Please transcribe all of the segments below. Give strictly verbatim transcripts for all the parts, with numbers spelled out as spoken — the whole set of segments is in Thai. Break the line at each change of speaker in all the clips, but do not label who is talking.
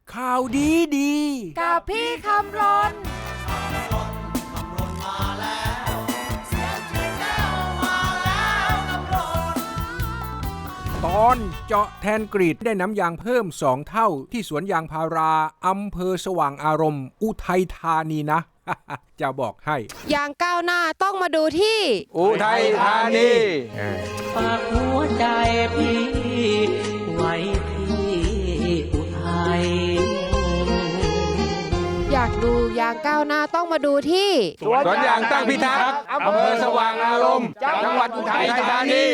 ข่าวดีดี
กับพี่คำรน
ตอนเจาะแทนกรีดได้น้ำยางเพิ่มสองเท่าที่สวนยางพาราอำเภอสว่างอารมณ์อุทัยธานีนะ จะบอกให้
ยางก้าวหน้าต้องมาดูที่
อุทัยธานี
ฝากหัวใจพี่ไว้ที่อุทัย
อยากดูยางก้าวหน้าต้องมาดูที่
สวนยางตั้งพิทักษ์อำเภอสว่างอารมณ์จังหวัดอุทัยธานี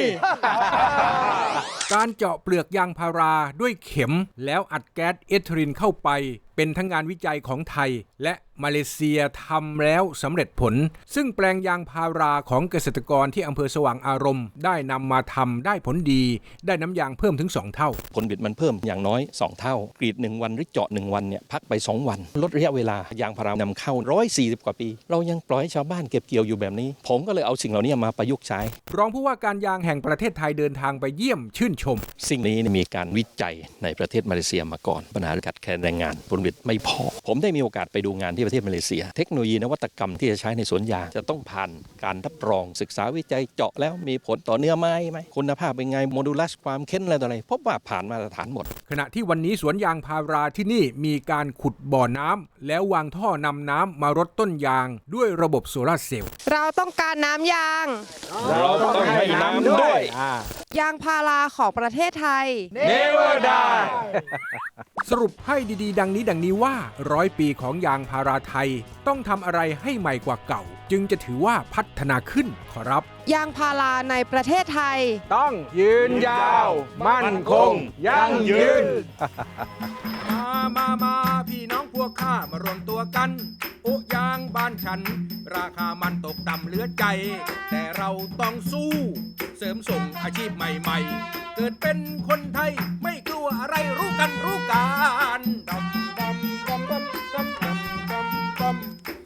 การเจาะเปลือกยางพาราด้วยเข็มแล้วอัดแก๊สเอทิลีนเข้าไปเป็นทั้งงานวิจัยของไทยและมาเลเซียทำแล้วสำเร็จผลซึ่งแปลงยางพาราของเกษตรกรที่อำเภอสว่างอารมณ์ได้นำมาทำได้ผลดีได้น้ำยางเพิ่มถึงสองเท่า
ผลผลิตมันเพิ่มอย่างน้อยสองเท่ากรีดหนึ่งวันหรือเจาะหนึ่งวันเนี่ยพักไปสองวันลดระยะเวลายางพารานำเข้าหนึ่งร้อยสี่สิบกว่าปีเรายังปล่อยให้ชาวบ้านเก็บเกี่ยวอยู่แบบนี้ผมก็เลยเอาสิ่งเหล่านี้มาประยุกต์ใช้
รองผู้ว่าการยางแห่งประเทศไทยเดินทางไปเยี่ยมชื่นชม
สิ่งนี้มีการวิจัยในประเทศมาเลเซียมาก่อนปัญหาขาดแคลนแรงงานผลผลิตไม่พอผมได้มีโอกาสไปดูงานที่ประเทศมาเลเซียเทคโนโลยีนวัตกรรมที่จะใช้ในสวนยางจะต้องผ่านการรับรองศึกษาวิจัยเจาะแล้วมีผลต่อเนื้อไม้ไหมคุณภาพเป็นไงโมดูลัสความเข้มอะไรต่ออะไรพบว่าผ่านมาตรฐานหมด
ขณะที่วันนี้สวนยางพาราที่นี่มีการขุดบ่อน้ำแล้ววางท่อนำน้ำมารดต้นยางด้วยระบบโซลาร์เซลล์
เราต้องการน้ำยาง
เราต้องให้น้ำด้วย
ยางพาราของประเทศไทย
Never die
สรุปให้ดีๆดังนี้ดังนี้ว่าร้อยปีของยางพาราไทยต้องทำอะไรให้ใหม่กว่าเก่าจึงจะถือว่าพัฒนาขึ้นขอรับ
ยางพาราในประเทศไทย
ต้องยืนยาวมั่นคงยั่งยืน
มามามาพี่น้องพวกข้ามารวมตัวกันโอ้ยางบ้านฉันราคามันตกต่ำเหลือใจแต่เราต้องสู้เสริมส่งอาชีพใหม่ๆเกิดเป็นคนไทยไม่กลัวอะไรรู้กันรู้กันดำดำดำดำดำดำดำดำ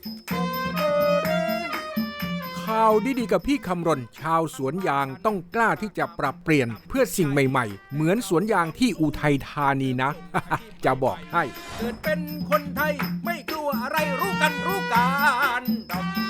ข่าวดีๆกับพี่คำรณชาวสวนยางต้องกล้าที่จะปรับเปลี่ยนเพื่อสิ่งใหม่ๆเหมือนสวนยางที่อุทัยธานีนะ จะบอกให้เกิดเป็นคนไทยไม่กลัวอะไรรู้กันรู้กัน